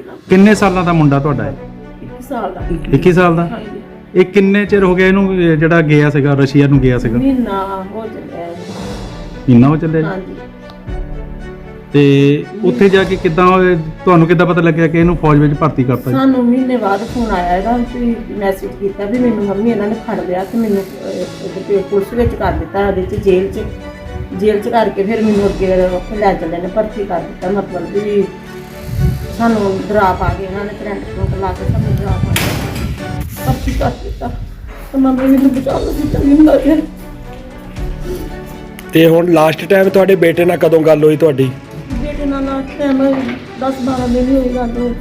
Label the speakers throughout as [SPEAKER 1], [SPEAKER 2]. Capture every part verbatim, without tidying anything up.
[SPEAKER 1] ਨਾ।
[SPEAKER 2] ਕਿੰਨੇ ਸਾਲਾਂ ਦਾ ਮੁੰਡਾ ਤੁਹਾਡਾ ਹੈ?
[SPEAKER 1] ਇੱਕ ਸਾਲ ਦਾ।
[SPEAKER 2] ਇੱਕੀ ਸਾਲ ਦਾ।
[SPEAKER 1] ਹਾਂਜੀ।
[SPEAKER 2] ਇਹ ਕਿੰਨੇ ਚਿਰ ਹੋ ਗਿਆ ਇਹਨੂੰ ਇਹ ਜਿਹੜਾ ਗਿਆ ਸੀਗਾ ਰਸ਼ੀਆ ਨੂੰ ਗਿਆ ਸੀਗਾ?
[SPEAKER 1] ਮਹੀਨਾ ਹੋ ਚੱਲਿਆ ਹੈ।
[SPEAKER 2] ਮਹੀਨਾ ਹੋ ਚੱਲਿਆ ਜੀ?
[SPEAKER 1] ਹਾਂਜੀ।
[SPEAKER 2] ਤੇ ਉੱਥੇ ਜਾ ਕੇ ਕਿੱਦਾਂ ਹੋਏ- ਤੁਹਾਨੂੰ ਕਿੱਦਾਂ ਪਤਾ ਲੱਗਿਆ ਕਿ ਇਹਨੂੰ ਫੌਜ ਵਿੱਚ ਭਰਤੀ ਕਰਤਾ ਜੀ?
[SPEAKER 1] ਸਾਨੂੰ ਮਹੀਨੇ ਬਾਅਦ ਫੋਨ ਆਇਆ ਇਹਦਾ ਵੀ ਮੈਸੇਜ ਕੀਤਾ ਵੀ ਮੈਨੂੰ ਮੰਮੀ ਇਹਨਾਂ ਨੇ ਫੜ ਲਿਆ ਤੇ ਮੈਨੂੰ ਅਹ, ਉਹਦੇ ਪੁਲਿਸ ਵਿੱਚ ਕਰ ਦਿੱਤਾ, ਉਹਦੇ ਚ ਜੇਲ੍ਹ 'ਚ ਜੇਲ੍ਹ 'ਚ ਕਰਕੇ ਫਿਰ ਮੈਨੂੰ ਅੱਗੇ ਉੱਥੇ ਲੈ ਚੱਲੇ ਨੇ, ਭਰਤੀ ਕਰ ਦਿੱਤਾ। ਮਤਲਬ ਵੀ ਸਾਨੂੰ ਡਰਾ ਪਾ ਕੇ ਇਹਨਾਂ ਨੇ ਕਰੰਟ ਕਰੰਟ ਲਾ ਕੇ ਸਾਨੂੰ ਡਰਾ ਪਾ ਕੇ ਭਰਤੀ ਕਰ ਦਿੱਤਾ ਤੇ ਮੰਮੀ ਮੈਨੂੰ ਬਚਾ ਲਓ ਸੀ ਤਾਂ ਮਿੰਦਾ ਗਿਆ।
[SPEAKER 3] ਤੇ ਹੁਣ ਲਾਸਟ ਟਾਈਮ ਤੁਹਾਡੇ ਬੇਟੇ ਨਾਲ ਕਦੋਂ ਗੱਲ ਹੋਈ ਤੁਹਾਡੀ?
[SPEAKER 1] ਬੇਟੇ ਨਾਲ ਲਾਸਟ ਟਾਈਮ ਦਸ ਬਾਰਾਂ ਦਿਨ ਹੀ ਹੋਈ ਗੱਲ ਹੋਈ।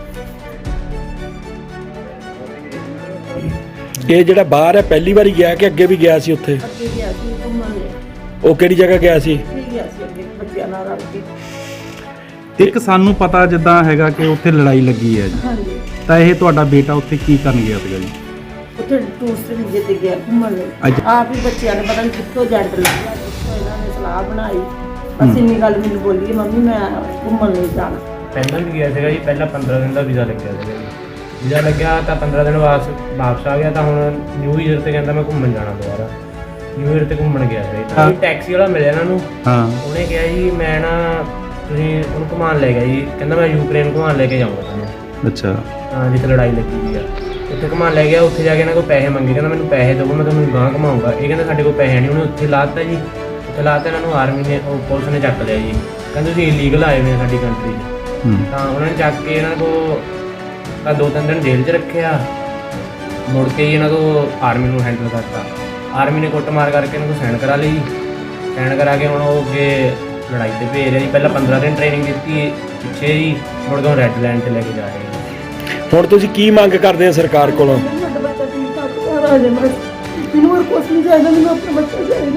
[SPEAKER 3] ਇਹ ਜਿਹੜਾ ਬਾਹਰ ਹੈ ਪਹਿਲੀ ਵਾਰੀ ਗਿਆ ਕਿ ਅੱਗੇ ਵੀ ਗਿਆ ਸੀ ਉੱਥੇ?
[SPEAKER 1] ਅੱਗੇ ਗਿਆ ਸੀ ਘੁੰਮਣ ਲਈ।
[SPEAKER 3] ਉਹ ਕਿਹੜੀ ਜਗ੍ਹਾ ਗਿਆ ਸੀ?
[SPEAKER 1] ਠੀਕ ਗਿਆ ਸੀ ਅੱਗੇ ਬੱਚਿਆਂ ਨਾਲ ਰਲ ਕੇ।
[SPEAKER 2] ਇੱਕ ਸਾਨੂੰ ਪਤਾ ਜਿੱਦਾਂ ਹੈਗਾ ਕਿ ਉੱਥੇ ਲੜਾਈ ਲੱਗੀ ਹੈ ਜੀ,
[SPEAKER 1] ਹਾਂਜੀ।
[SPEAKER 2] ਤਾਂ ਇਹ ਤੁਹਾਡਾ ਬੇਟਾ ਉੱਥੇ ਕੀ ਕਰਨ ਗਿਆ ਸੀਗਾ ਜੀ?
[SPEAKER 1] ਉੱਥੇ ਟੂਰਿਸਟ ਵੀਜ਼ੇ ਤੇ ਗਿਆ ਘੁੰਮਣ ਲਈ।
[SPEAKER 2] ਅੱਜ-
[SPEAKER 1] ਆਪ ਹੀ ਬੱਚਿਆਂ ਨੇ ਪਤਾ ਨਹੀਂ ਕਿੱਥੋਂ ਜੰਟ ਲੱਗਿਆ, ਕਿੱਥੋਂ ਇਹਨਾਂ ਨੇ ਸਲਾਹ ਬਣਾਈ। ਬਸ ਇੰਨੀ ਗੱਲ ਮੈਨੂੰ ਬੋਲੀ ਮੰਮੀ ਮੈਂ ਘੁੰਮਣ ਲਈ ਜਾਣਾ।
[SPEAKER 4] ਪਹਿਲਾਂ ਵੀ ਗਿਆ ਸੀਗਾ ਜੀ, ਪਹਿਲਾਂ ਪੰਦਰਾਂ ਦਿਨ ਦਾ ਵੀਜ਼ਾ ਲੱਗਿਆ ਸੀਗਾ ਜੀ। ਵੀਜ਼ਾ ਲੱਗਿਆ ਤਾਂ ਪੰਦਰਾਂ ਦਿਨ ਵਾਪਸ ਵਾਪਸ ਆ ਗਿਆ, ਤਾਂ ਹੁਣ ਨਿਊ ਈਅਰ ਤੇ ਕਹਿੰਦਾ ਮੈਂ ਘੁੰਮਣ ਜਾਣਾ ਦੁਬਾਰਾ। ਨਿਊ ਈਅਰ ਤੇ ਘੁੰਮਣ ਗਿਆ ਸੀ ਤਾਂ ਟੈਕਸੀ ਵਾਲਾ ਮਿਲਿਆ ਇਹਨਾਂ ਨੂੰ।
[SPEAKER 2] ਹਾਂ।
[SPEAKER 4] ਉਹਨੇ ਕਿਹਾ ਜੀ ਮੈਂ ਨਾ ਤੁਸੀਂ ਉਹਨੂੰ ਘੁਮਾਉਣ ਲੈ ਗਿਆ ਜੀ, ਕਹਿੰਦਾ ਮੈਂ ਯੂਕਰੇਨ ਘੁਮਾਉਣ ਲੈ ਕੇ ਜਾਊਂਗਾ ਤੁਹਾਨੂੰ।
[SPEAKER 2] ਅੱਛਾ।
[SPEAKER 4] ਹਾਂ, ਜਿੱਥੇ ਲੜਾਈ ਲੱਗੀ ਹੋਈ ਆ ਉੱਥੇ ਘੁਮਾਉਣ ਲੈ ਗਿਆ। ਉੱਥੇ ਜਾ ਕੇ ਇਹਨਾਂ ਕੋਲ ਪੈਸੇ ਮੰਗੇ, ਕਹਿੰਦਾ ਮੈਨੂੰ ਪੈਸੇ ਦਿਓ ਮੈਂ ਤੁਹਾਨੂੰ ਗਾਂਹ ਘੁਮਾਊਂਗਾ। ਇਹ ਕਹਿੰਦਾ ਸਾਡੇ ਕੋਲ ਪੈਸੇ ਨਹੀਂ। ਉਹਨੇ ਉੱਥੇ ਲਾਤਾ ਜੀ, ਉੱਥੇ ਲਾਤਾ ਇਹਨਾਂ ਨੂੰ ਆਰਮੀ ਨੇ ਉਹ ਪੁਲਿਸ ਨੇ ਚੱਕ ਲਿਆ ਜੀ। ਕਹਿੰਦੇ ਤੁਸੀਂ ਇਲੀਗਲ ਆਏ ਹੋਏ ਆ ਸਾਡੀ ਕੰਟਰੀ 'ਚ।
[SPEAKER 2] ਹੂੰ।
[SPEAKER 4] ਤਾਂ ਉਹਨਾਂ ਨੇ ਚੱਕ ਕੇ ਇਹਨਾਂ ਕੋਲ ਤਾਂ ਦੋ ਤਿੰਨ ਦਿਨ ਜੇਲ੍ਹ 'ਚ ਰੱਖਿਆ। ਮੁੜ ਕੇ ਜੀ ਇਹਨਾਂ ਤੋਂ ਆਰਮੀ ਨੂੰ ਹੈਂਡਲ ਕਰਤਾ। ਆਰਮੀ ਨੇ ਕੁੱਟਮਾਰ ਕਰਕੇ ਇਹਨਾਂ ਕੋਲ ਸਾਈਨ ਕਰਾ ਲਈ। ਸਾਈਨ ਕਰਾ ਕੇ ਹੁਣ ਉਹ ਅੱਗੇ ਲੜਾਈ 'ਤੇ ਭੇਜ ਰਿਹਾ ਜੀ। ਪਹਿਲਾਂ ਪੰਦਰਾਂ ਦਿਨ ਟ੍ਰੇਨਿੰਗ ਦਿੱਤੀ ਪਿੱਛੇ ਜੀ, ਮੁੜ ਕੇ ਰੈੱਡ ਲਾਈਨ 'ਤੇ ਲੈ ਕੇ ਜਾ ਰਹੇ ਜੀ।
[SPEAKER 3] ਹੁਣ ਤੁਸੀਂ ਕੀ ਮੰਗ ਕਰਦੇ ਆ ਸਰਕਾਰ ਕੋਲੋਂ?
[SPEAKER 1] ਸਾਡਾ ਬੱਚਾ ਠੀਕ ਠਾਕ ਘਰ ਆ ਜਾਏ, ਬਸ ਮੈਨੂੰ ਹੋਰ ਕੁਛ ਨਹੀਂ ਚਾਹੀਦਾ, ਮੈਨੂੰ ਆਪਣਾ ਬੱਚਾ ਚਾਹੀਦਾ।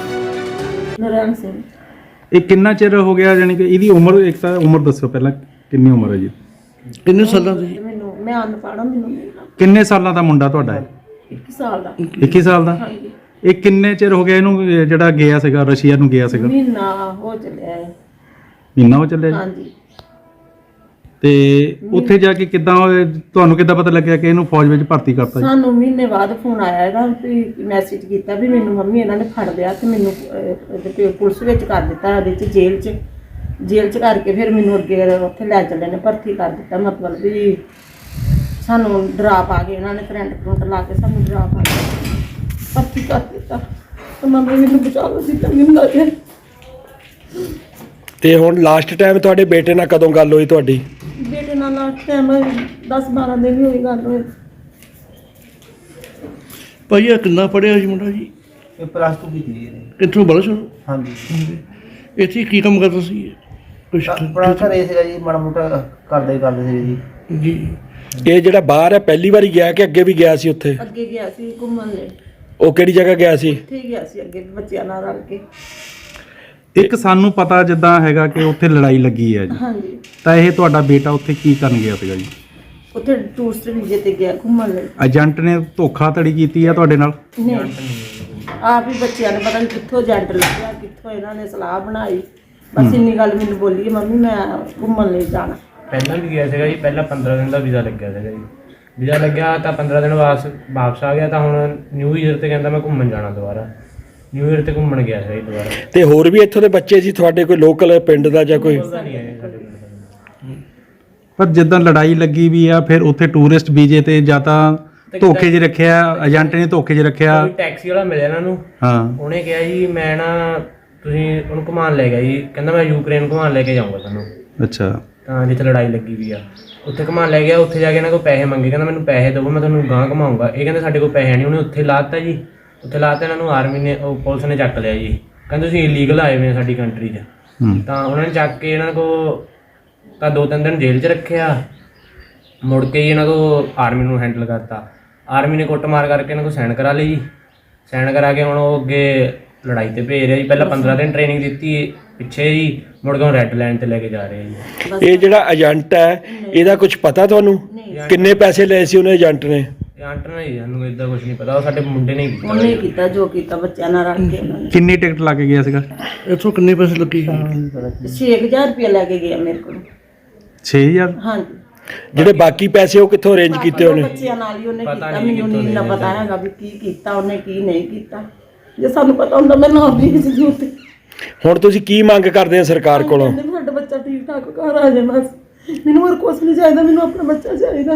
[SPEAKER 1] ਨਰੈਣ ਸਿੰਘ।
[SPEAKER 2] ਇਹ ਕਿੰਨਾ ਚਿਰ ਹੋ ਗਿਆ ਜਾਨੀ ਕਿ ਇਹਦੀ ਉਮਰ, ਇੱਕ ਤਾਂ ਉਮਰ ਦੱਸੋ ਪਹਿਲਾਂ ਕਿੰਨੀ ਉਮਰ ਹੈ ਜੀ?
[SPEAKER 3] ਕਿੰਨੇ ਸਾਲਾਂ ਦੀ?
[SPEAKER 1] ਮੈਨੂੰ ਮੈਂ ਅਨਪੜ੍ਹ, ਮੈਨੂੰ ਨਹੀਂ ਪਤਾ।
[SPEAKER 2] ਕਿੰਨੇ ਸਾਲਾਂ ਦਾ ਮੁੰਡਾ ਤੁਹਾਡਾ ਹੈ?
[SPEAKER 1] ਇੱਕ ਸਾਲ ਦਾ।
[SPEAKER 2] ਇੱਕੀ ਸਾਲ ਦਾ।
[SPEAKER 1] ਹਾਂਜੀ।
[SPEAKER 2] ਇਹ ਕਿੰਨੇ ਚਿਰ ਹੋ ਗਿਆ ਇਹਨੂੰ ਇਹ ਜਿਹੜਾ ਗਿਆ ਸੀਗਾ ਰਸ਼ੀਆ ਨੂੰ ਗਿਆ ਸੀਗਾ?
[SPEAKER 1] ਮਹੀਨਾ ਹੋ ਚੱਲਿਆ ਹੈ।
[SPEAKER 2] ਮਹੀਨਾ ਹੋ ਚੱਲਿਆ ਜੀ?
[SPEAKER 1] ਹਾਂਜੀ।
[SPEAKER 2] ਤੇ ਉੱਥੇ ਜਾ ਕੇ ਕਿੱਦਾਂ ਹੋਏ- ਤੁਹਾਨੂੰ ਕਿੱਦਾਂ ਪਤਾ ਲੱਗਿਆ ਕਿ ਇਹਨੂੰ ਫੌਜ ਵਿੱਚ ਭਰਤੀ ਕਰਤਾ ਜੀ?
[SPEAKER 1] ਸਾਨੂੰ ਮਹੀਨੇ ਬਾਅਦ ਫੋਨ ਆਇਆ ਇਹਦਾ ਵੀ ਮੈਸੇਜ ਕੀਤਾ ਵੀ ਮੈਨੂੰ ਮੰਮੀ ਇਹਨਾਂ ਨੇ ਫੜ ਲਿਆ ਤੇ ਮੈਨੂੰ ਅਹ, ਉਹਦੇ ਪੁਲਿਸ ਵਿੱਚ ਕਰ ਦਿੱਤਾ, ਉਹਦੇ ਚ ਜੇਲ੍ਹ 'ਚ ਜੇਲ੍ਹ 'ਚ ਕਰਕੇ ਫਿਰ ਮੈਨੂੰ ਅੱਗੇ ਉੱਥੇ ਲੈ ਚੱਲੇ ਨੇ, ਭਰਤੀ ਕਰ ਦਿੱਤਾ। ਮਤਲਬ ਵੀ ਸਾਨੂੰ ਡਰਾ ਪਾ ਕੇ ਇਹਨਾਂ ਨੇ ਕਰੰਟ ਕਰੰਟ ਲਾ ਕੇ ਸਾਨੂੰ ਡਰਾ ਪਾ ਕੇ ਭਰਤੀ ਕਰ ਦਿੱਤਾ ਤੇ ਮੰਮੀ ਮੈਨੂੰ ਬਚਾ ਲਓ ਸੀ ਤਾਂ ਮਿੰਦਾ ਗਿਆ।
[SPEAKER 3] ਤੇ ਹੁਣ ਲਾਸਟ ਟਾਈਮ ਤੁਹਾਡੇ ਬੇਟੇ ਨਾਲ ਕਦੋਂ ਗੱਲ ਹੋਈ ਤੁਹਾਡੀ?
[SPEAKER 1] ਬੇਟੇ ਨਾਲ ਲਾਸਟ ਟਾਈਮ ਦਸ ਬਾਰਾਂ ਦਿਨ ਹੀ ਹੋਈ ਗੱਲ ਹੋਈ।
[SPEAKER 5] ਭਾਈ ਇਹ ਕਿੰਨਾ ਪੜਿਆ ਜੀ ਮੁੰਡਾ ਜੀ?
[SPEAKER 6] ਇਹ ਪਲੱਸ ਟੂ ਕੀਤੀ ਜੀ ਇਹਨੇ।
[SPEAKER 5] ਕਿੱਥੋਂ ਬਲਸ਼ਰ?
[SPEAKER 6] ਹਾਂਜੀ।
[SPEAKER 5] ਇੱਥੇ ਕੀ ਕੰਮ ਕਰਦਾ ਸੀ ਇਹ? ਕੁਛ
[SPEAKER 6] ਆਪਣਾ ਘਰੇ ਸੀਗਾ ਜੀ, ਮਾੜਾ ਮੋਟਾ ਕਰਦੇ ਹੀ ਕਰਦੇ ਸੀ ਜੀ।
[SPEAKER 5] ਜੀ।
[SPEAKER 3] ਇਹ ਜਿਹੜਾ ਬਾਹਰ ਹੈ ਪਹਿਲੀ ਵਾਰੀ ਗਿਆ ਕਿ ਅੱਗੇ ਵੀ ਗਿਆ ਸੀ ਉੱਥੇ?
[SPEAKER 1] ਅੱਗੇ ਗਿਆ ਸੀ ਘੁੰਮਣ ਲਈ।
[SPEAKER 3] ਉਹ ਕਿਹੜੀ ਜਗ੍ਹਾ ਗਿਆ ਸੀ?
[SPEAKER 1] ਠੀਕ ਗਿਆ ਸੀ ਅੱਗੇ ਬੱਚਿਆਂ ਨਾਲ ਰਲ ਕੇ।
[SPEAKER 2] ਇੱਕ ਸਾਨੂੰ ਪਤਾ ਜਿੱਦਾਂ ਹੈਗਾ ਕਿ ਉੱਥੇ ਲੜਾਈ ਲੱਗੀ ਹੈ ਜੀ,
[SPEAKER 1] ਹਾਂਜੀ।
[SPEAKER 2] ਤਾਂ ਇਹ ਤੁਹਾਡਾ ਬੇਟਾ ਉੱਥੇ ਕੀ ਕਰਨ ਗਿਆ ਸੀਗਾ ਜੀ?
[SPEAKER 1] ਉੱਥੇ ਟੂਰਿਸਟ ਵੀਜ਼ੇ ਤੇ ਗਿਆ ਘੁੰਮਣ ਲਈ।
[SPEAKER 2] ਏਜੰਟ ਨੇ ਧੋਖਾਧੜੀ ਕੀਤੀ ਹੈ ਤੁਹਾਡੇ ਨਾਲ?
[SPEAKER 1] ਨਹੀਂ, ਆਪ ਹੀ ਬੱਚਿਆਂ ਨੇ ਪਤਾ ਨਹੀਂ ਕਿੱਥੋਂ ਜੰਟ ਲੱਗਿਆ, ਕਿੱਥੋਂ ਇਹਨਾਂ ਨੇ ਸਲਾਹ ਬਣਾਈ। ਬਸ ਇੰਨੀ ਗੱਲ ਮੈਨੂੰ ਬੋਲੀ ਮੰਮੀ ਮੈਂ ਘੁੰਮਣ ਲਈ ਜਾਣਾ।
[SPEAKER 4] ਪਹਿਲਾਂ ਵੀ ਗਿਆ ਸੀਗਾ ਜੀ, ਪਹਿਲਾਂ ਪੰਦਰਾਂ ਦਿਨ ਦਾ ਵੀਜ਼ਾ ਲੱਗਿਆ ਸੀਗਾ ਜੀ। ਵੀਜ਼ਾ ਲੱਗਿਆ ਤਾਂ ਪੰਦਰਾਂ ਦਿਨ ਵਾਪਸ ਵਾਪਸ ਆ ਗਿਆ, ਤਾਂ ਹੁਣ ਨਿਊ ਈਅਰ ਤੇ ਕਹਿੰਦਾ ਮੈਂ ਘੁੰਮਣ ਜਾਣਾ ਦੁਬਾਰਾ। ਨਿਊ ਈਅਰ ਤੇ ਘੁੰਮਣ ਗਿਆ ਸੀ ਦੁਬਾਰਾ।
[SPEAKER 3] ਤੇ ਹੋਰ ਵੀ ਇੱਥੋਂ ਦੇ ਬੱਚੇ ਸੀ ਤੁਹਾਡੇ, ਕੋਈ ਲੋਕਲ ਪਿੰਡ ਦਾ ਜਾਂ ਕੋਈ?
[SPEAKER 4] ਪਤਾ ਨਹੀਂ ਹੈ ਸਾਡੇ ਕੋਲ।
[SPEAKER 2] ਪਰ ਜਿੱਦਾਂ ਲੜਾਈ ਲੱਗੀ ਵੀ ਆ, ਫਿਰ ਉੱਥੇ ਟੂਰਿਸਟ ਵੀਜ਼ੇ ਤੇ ਜਾਂ ਤਾਂ ਧੋਖੇ 'ਚ ਰੱਖਿਆ, ਏਜੰਟ ਨੇ ਧੋਖੇ 'ਚ ਰੱਖਿਆ।
[SPEAKER 4] ਕੋਈ ਟੈਕਸੀ ਵਾਲਾ ਮਿਲਿਆ ਇਹਨਾਂ ਨੂੰ।
[SPEAKER 2] ਹਾਂ।
[SPEAKER 4] ਉਹਨੇ ਕਿਹਾ ਜੀ ਮੈਂ ਨਾ ਤੁਸੀਂ ਉਹਨੂੰ ਘੁਮਾਉਣ ਲੈ ਗਿਆ ਜੀ, ਕਹਿੰਦਾ ਮੈਂ ਯੂਕਰੇਨ ਘੁਮਾਉਣ ਲੈ ਕੇ ਜਾਊਂਗਾ ਤੁਹਾਨੂੰ।
[SPEAKER 2] ਅੱਛਾ।
[SPEAKER 4] ਤਾਂ ਜਿੱਥੇ ਲੜਾਈ ਲੱਗੀ ਵੀ ਆ ਉੱਥੇ ਘੁਮਾਉਣ ਲੈ ਗਿਆ। ਉੱਥੇ ਜਾ ਕੇ ਇਹਨਾਂ ਕੋਲ ਪੈਸੇ ਮੰਗੇ, ਕਹਿੰਦਾ ਮੈਨੂੰ ਪੈਸੇ ਦਿਓ ਮੈਂ ਤੁਹਾਨੂੰ ਗਾਂਹ ਘੁਮਾਊਂਗਾ। ਇਹ ਕਹਿੰਦੇ ਸਾਡੇ ਕੋਲ ਪੈਸੇ ਨਹੀਂ। ਉਹਨੇ ਉੱਥੇ ਲਾਤਾ ਜੀ, ਉੱਥੇ ਲਾਤਾ ਇਹਨਾਂ ਨੂੰ ਆਰਮੀ ਨੇ ਉਹ ਪੁਲਿਸ ਨੇ ਚੱਕ ਲਿਆ ਜੀ। ਕਹਿੰਦੇ ਤੁਸੀਂ ਇਲੀਗਲ ਆਏ ਹੋਏ ਆ ਸਾਡੀ ਕੰਟਰੀ 'ਚ।
[SPEAKER 2] ਹੂੰ।
[SPEAKER 4] ਤਾਂ ਉਹਨਾਂ ਨੇ ਚੱਕ ਕੇ ਇਹਨਾਂ ਕੋਲ ਤਾਂ ਦੋ ਤਿੰਨ ਦਿਨ ਜੇਲ੍ਹ 'ਚ ਰੱਖਿਆ। ਮੁੜ ਕੇ ਜੀ ਇਹਨਾਂ ਤੋਂ ਆਰਮੀ ਨੂੰ ਹੈਂਡਲ ਕਰਤਾ। ਆਰਮੀ ਨੇ ਕੁੱਟਮਾਰ ਕਰਕੇ ਇਹਨਾਂ ਕੋਲ ਸਾਈਨ ਕਰਾ ਲਈ। ਸਾਈਨ ਕਰਾ ਕੇ ਹੁਣ ਉਹ ਅੱਗੇ ਲੜਾਈ 'ਤੇ ਭੇਜ ਰਿਹਾ ਜੀ। ਪਹਿਲਾਂ ਪੰਦਰਾਂ ਦਿਨ ਟ੍ਰੇਨਿੰਗ ਦਿੱਤੀ ਪਿੱਛੇ ਜੀ, ਮੁੜ ਕੇ ਰੈੱਡ ਲਾਈਨ 'ਤੇ ਲੈ ਕੇ ਜਾ ਰਹੇ ਜੀ।
[SPEAKER 3] ਇਹ ਜਿਹੜਾ ਏਜੰਟ ਹੈ ਇਹਦਾ ਕੁਝ ਪਤਾ ਤੁਹਾਨੂੰ? ਕਿੰਨੇ ਪੈਸੇ ਲਏ ਸੀ ਉਹਨੇ ਏਜੰਟ ਨੇ?
[SPEAKER 4] ਏਜੰਟ ਨੇ ਜੀ, ਸਾਨੂੰ ਇਦਾਂ ਕੁਝ ਨਹੀਂ ਪਤਾ। ਉਹ ਸਾਡੇ ਮੁੰਡੇ ਨੇ ਕੀਤਾ।
[SPEAKER 1] ਉਹਨੇ ਕੀਤਾ ਜੋ ਕੀਤਾ ਬੱਚਿਆਂ ਨਾਲ ਰਲ ਕੇ। ਉਹਨਾਂ ਨੇ
[SPEAKER 2] ਕਿੰਨੀ ਟਿਕਟ ਲਾ ਕੇ ਗਿਆ ਸੀਗਾ?
[SPEAKER 5] ਇੱਥੋਂ ਕਿੰਨੇ ਪੈਸੇ ਲੱਗੇ?
[SPEAKER 1] ਛੇ ਹਜ਼ਾਰ ਰੁਪਇਆ ਲੈ ਕੇ ਗਿਆ ਮੇਰੇ ਕੋਲ।
[SPEAKER 2] ਛੇ ਹਜ਼ਾਰ?
[SPEAKER 1] ਹਾਂਜੀ।
[SPEAKER 3] ਜਿਹੜੇ ਬਾਕੀ ਪੈਸੇ ਉਹ ਕਿੱਥੋਂ ਅਰੇਂਜ ਕੀਤੇ ਉਹਨੇ?
[SPEAKER 1] ਬੱਚਿਆਂ ਨਾਲ ਹੀ ਉਹਨੇ
[SPEAKER 4] ਪਤਾ
[SPEAKER 1] ਕੀਤਾ,
[SPEAKER 4] ਨਹੀਂ
[SPEAKER 1] ਮੈਨੂੰ
[SPEAKER 4] ਕਿੱਥੋਂ
[SPEAKER 1] ਨਹੀਂ ਨਾ
[SPEAKER 4] ਲੈ
[SPEAKER 1] ਪਤਾ ਹੈਗਾ ਵੀ ਕੀ ਕੀਤਾ ਉਹਨੇ ਕੀ ਨਹੀਂ ਕੀਤਾ। ਜੇ ਸਾਨੂੰ ਪਤਾ ਹੁੰਦਾ ਮੈਂ ਨਾ ਵੀ ਇਸ ਦੀ ਉੱਤੇ
[SPEAKER 3] ਹੁਣ ਤੁਸੀਂ ਕੀ ਮੰਗ ਕਰਦੇ ਆ ਸਰਕਾਰ ਕੋਲੋਂ?
[SPEAKER 1] ਕਹਿੰਦੇ ਵੀ ਸਾਡਾ ਬੱਚਾ ਠੀਕ ਠਾਕ ਘਰ ਆ ਜਾਏ ਬਸ, ਮੈਨੂੰ ਹੋਰ ਕੁਝ ਨਹੀਂ ਚਾਹੀਦਾ, ਮੈਨੂੰ ਆਪਣਾ ਬੱਚਾ ਚਾਹੀਦਾ।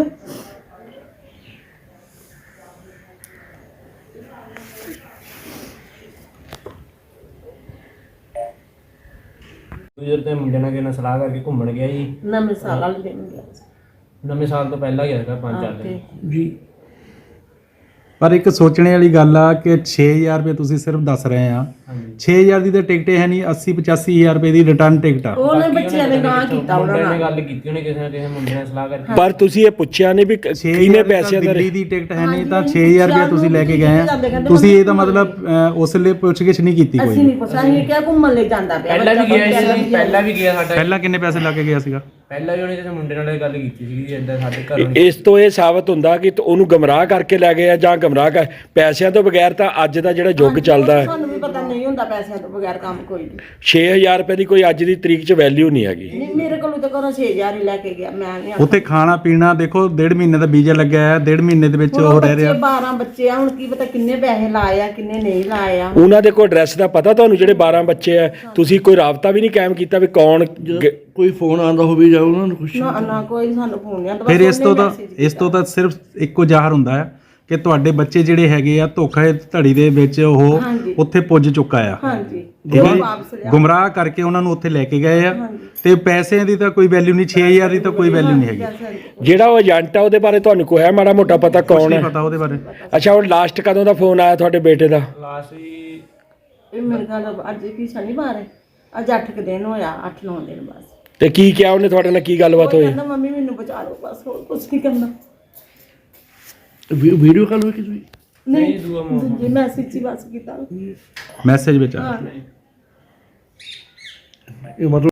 [SPEAKER 4] ਦੂਜੇ ਤੇ ਮੁੰਡੇ ਨਾਲ ਕਿਸੇ ਨਾਲ ਸਲਾਹ ਕਰਕੇ ਘੁੰਮਣ ਗਿਆ ਜੀ।
[SPEAKER 1] ਨਵੇਂ ਸਾਲ ਵਾਲੇ ਦਿਨ ਗਿਆ ਸੀ।
[SPEAKER 4] ਨਵੇਂ ਸਾਲ ਤੋਂ ਪਹਿਲਾਂ ਗਿਆ ਸੀਗਾ ਪੰਜ ਚਾਰ
[SPEAKER 1] ਹਾਂ,
[SPEAKER 4] ਦਿਨ।
[SPEAKER 1] ਤੇ
[SPEAKER 5] ਜੀ
[SPEAKER 2] ਪਰ ਇੱਕ ਸੋਚਣੇ ਵਾਲੀ ਗੱਲ ਆ ਕਿ ਛੇ ਹਜ਼ਾਰ ਰੁਪਏ ਤੁਸੀਂ ਸਿਰਫ ਦੱਸ ਰਹੇ ਆ,
[SPEAKER 4] ਹਾਂਜੀ
[SPEAKER 2] ਛੇ ਹਜ਼ਾਰ ਦੀ ਤਾਂ ਟਿਕਟ ਹੈ ਨਹੀਂ, ਅੱਸੀ ਪਚਾਸੀ ਹਜ਼ਾਰ ਰੁਪਏ ਦੀ ਰਿਟਰਨ ਟਿਕਟ ਆ।
[SPEAKER 1] ਉਹਨੇ
[SPEAKER 4] ਬਾਕੀ
[SPEAKER 1] ਬੱਚਿਆਂ ਨੇ
[SPEAKER 4] ਉਹਨੇ
[SPEAKER 1] ਗਾਂ ਕੀਤਾ ਉਹਨਾਂ
[SPEAKER 4] ਮੁੰਡੇ ਨੇ
[SPEAKER 1] ਨਾਲ।
[SPEAKER 4] ਗੱਲ ਕੀਤੀ ਉਹਨੇ ਕਿਸੇ ਨਾ ਕਿਸੇ ਮੁੰਡੇ ਨਾਲ ਸਲਾਹ ਕਰਕੇ।
[SPEAKER 3] ਪਰ ਤੁਸੀਂ ਇਹ ਪੁੱਛਿਆ ਨਹੀਂ ਵੀ ਕ-
[SPEAKER 2] ਛੇ
[SPEAKER 3] ਕਿਹਨੇ
[SPEAKER 2] ਹਜ਼ਾਰ
[SPEAKER 3] ਪੈਸਿਆਂ ਦਾ
[SPEAKER 2] ਦਿੱਲੀ ਦੀ ਟਿਕਟ ਹੈ ਨਹੀਂ ਤਾਂ
[SPEAKER 1] ਹਾਂਜੀ,
[SPEAKER 2] ਛੇ ਹਜ਼ਾਰ ਰੁਪਏ ਤੁਸੀਂ ਲੈ ਕੇ ਗਏ ਆ। ਤੁਸੀਂ ਇਹਦਾ ਮਤਲਬ ਅਹ, ਉਸ ਲਈ ਪੁੱਛਗਿੱਛ ਨਹੀਂ ਕੀਤੀ
[SPEAKER 1] ਅਸੀਂ
[SPEAKER 2] ਕੋਈ?
[SPEAKER 1] ਨਹੀਂ ਪੁੱਛਿਆ, ਅਸੀਂ ਕਿਹਾ ਘੁੰਮਣ ਲਈ ਜਾਂਦਾ ਪਿਆ
[SPEAKER 4] ਪਹਿਲਾਂ ਵੀ
[SPEAKER 1] ਬੱਚਾ,
[SPEAKER 4] ਗਿਆ
[SPEAKER 1] ਪਹਿਲਾਂ
[SPEAKER 4] ਸੀ
[SPEAKER 1] ਵੀ ਗਿਆ।
[SPEAKER 4] ਪਹਿਲਾਂ ਵੀ ਗਿਆ ਸਾਡਾ।
[SPEAKER 2] ਪਹਿਲਾਂ ਕਿੰਨੇ ਪੈਸੇ ਲਾ ਕੇ ਗਿਆ ਸੀਗਾ?
[SPEAKER 4] ਪਹਿਲਾਂ ਵੀ ਉਹਨੇ ਕਿਸੇ ਮੁੰਡੇ ਨਾਲ ਇਹ ਗੱਲ ਕੀਤੀ ਸੀ ਕਿ ਇਦਾਂ ਸਾਡੇ ਘਰੋਂ
[SPEAKER 3] ਇਸ ਤੋਂ ਇਹ ਸਾਬਤ ਹੁੰਦਾ ਕਿ ਉਹਨੂੰ ਗਮਰਾਹ ਕਰਕੇ ਲੈ ਗਏ ਆ ਜਾਂ ਗਮਰਾਹ ਕਰ ਪੈਸਿਆਂ ਤੋਂ ਬਗੈਰ ਤਾਂ ਅੱਜ ਦਾ ਜਿਹੜਾ ਯੁੱਗ ਚੱਲਦਾ ਹੈ
[SPEAKER 1] ਸਾਨੂੰ ਵੀ ਪਤਾ ਨਹੀਂ ਹੁੰਦਾ ਪੈਸਿਆਂ ਤੋਂ ਬਗੈਰ ਕੰਮ ਕੋਈ ਨਹੀਂ।
[SPEAKER 3] ਛੇ ਹਜ਼ਾਰ ਰੁਪਏ ਦੀ ਕੋਈ ਅੱਜ ਦੀ ਤਰੀਕ 'ਚ ਵੈਲਿਊ ਨਹੀਂ ਹੈਗੀ।
[SPEAKER 1] ਨਹੀਂ ਮੇਰੇ ਕੋਲੋਂ ਤਾਂ ਘਰੋਂ ਛੇ ਹਜ਼ਾਰ ਹੀ ਲੈ ਕੇ ਗਿਆ, ਮੈਂ ਨਹੀਂ
[SPEAKER 2] ਉੱਥੇ ਖਾਣਾ ਪੀਣਾ ਦੇਖੋ, ਡੇਢ ਮਹੀਨੇ ਦਾ ਵੀਜ਼ਾ ਲੱਗਿਆ ਹੈ, ਡੇਢ ਮਹੀਨੇ ਦੇ ਵਿੱਚ ਉਹ ਰਹਿ ਰਿਹਾ।
[SPEAKER 1] ਬਾਰਾਂ ਬੱਚੇ ਆ, ਹੁਣ ਕੀ ਪਤਾ ਕਿੰਨੇ ਪੈਸੇ ਲਾਏ ਆ ਕਿੰਨੇ ਨਹੀਂ ਲਾਏ ਆ।
[SPEAKER 3] ਉਹਨਾਂ ਦੇ ਕੋਈ ਐਡਰੈਸ ਦਾ ਪਤਾ ਤੁਹਾਨੂੰ ਜਿਹੜੇ ਬਾਰਾਂ ਬੱਚੇ ਆ? ਤੁਸੀਂ ਕੋਈ ਰਾਬਤਾ ਵੀ ਨਹੀਂ ਕਾਇਮ ਕੀਤਾ ਵੀ ਕੌਣ ਗ-
[SPEAKER 5] ਕੋਈ ਫੋਨ ਆਉਂਦਾ ਹੋਵੇ ਜਾਂ ਉਹਨਾਂ ਨੂੰ ਕੁਛ?
[SPEAKER 1] ਨਾ ਨਾ ਕੋਈ ਸਾਨੂੰ ਫੋਨ ਨਹੀਂ ਆਉਂਦਾ।
[SPEAKER 2] ਫਿਰ ਇਸ ਤੋਂ ਤਾਂ ਇਸ ਤੋਂ ਤਾਂ ਸਿਰਫ ਇੱਕੋ ਜ਼ਾਹਰ ਹੁੰਦਾ ਹੈ ਕਿ ਤੁਹਾਡੇ ਬੱਚੇ ਜਿਹੜੇ ਹੈਗੇ ਆ ਧੋਖਾ ਧੜੀ ਦੇ ਵਿੱਚ ਉਹ
[SPEAKER 1] ਹਾਂਜੀ।
[SPEAKER 2] ਉੱਥੇ ਪੁੱਜ ਚੁੱਕਾ ਆ।
[SPEAKER 1] ਹਾਂਜੀ
[SPEAKER 2] ਠੀਕ
[SPEAKER 1] ਉਹ
[SPEAKER 2] ਹੈ
[SPEAKER 1] ਵਾਪਸ
[SPEAKER 2] ਜੀ?
[SPEAKER 1] ਲਿਆ।
[SPEAKER 2] ਗੁੰਮਰਾਹ ਕਰਕੇ ਉਹਨਾਂ ਨੂੰ ਉੱਥੇ ਲੈ ਕੇ ਗਏ ਆ
[SPEAKER 1] ਹਾਂਜੀ।
[SPEAKER 2] ਤੇ ਪੈਸਿਆਂ ਦੀ ਤਾਂ ਕੋਈ ਵੈਲਿਊ ਨਹੀਂ, ਛੇ ਹਜ਼ਾਰ ਦੀ ਤਾਂ ਕੋਈ ਵੈਲਿਊ ਨਹੀਂ ਹੈਗੀ।
[SPEAKER 3] ਜਿਹੜਾ ਉਹ ਏਜੰਟ ਆ ਉਹਦੇ ਬਾਰੇ ਤੁਹਾਨੂੰ ਕੋਈ ਹੈ ਮਾੜਾ ਮੋਟਾ ਪਤਾ
[SPEAKER 2] ਕੁਛ
[SPEAKER 3] ਕੌਣ
[SPEAKER 2] ਨਹੀਂ
[SPEAKER 3] ਹੈ?
[SPEAKER 2] ਪਤਾ ਉਹਦੇ ਬਾਰੇ।
[SPEAKER 3] ਅੱਛਾ ਹੁਣ ਲਾਸਟ ਕਦੋਂ ਦਾ ਫੋਨ ਆਇਆ ਤੁਹਾਡੇ ਬੇਟੇ ਦਾ?
[SPEAKER 4] ਲਾਸਟ ਵੀ
[SPEAKER 1] ਇਹ ਮੇਰੇ ਖਿਆਲ ਅੱਜ ਕੀ ਸ਼ਨੀਵਾਰ ਹੈ, ਅੱਜ ਅੱਠ ਕੁ ਦਿਨ ਹੋਇਆ, ਅੱਠ ਨੌ ਦਿਨ ਬਸ।
[SPEAKER 3] ਤੇ ਕੀ ਕਿਹਾ ਉਹਨੇ ਤੁਹਾਡੇ ਨਾਲ, ਕੀ ਗੱਲਬਾਤ
[SPEAKER 1] ਉਹ
[SPEAKER 3] ਹੋਈ?
[SPEAKER 1] ਕਹਿੰਦਾ ਮੰਮੀ ਮੈਨੂੰ ਬਚਾ ਲਓ ਬਸ, ਹੋਰ ਕੁਝ ਨਹੀਂ ਕਰਨਾ।
[SPEAKER 5] ਵੀ- ਵੀਡੀਓ ਕਾਲ ਹੋਈ ਕਿਸੇ ਦੀ?
[SPEAKER 1] ਨਹੀਂ
[SPEAKER 4] ਦੂਆ ਮੋਹ
[SPEAKER 1] ਦੂਜੀ ਮੈਸੇਜ ਹੀ ਬਸ ਕੀਤਾ।
[SPEAKER 2] ਮੈਸੇਜ ਵਿੱਚ ਆ
[SPEAKER 1] ਹਾਂ
[SPEAKER 5] ਇਹ ਮਤਲਬ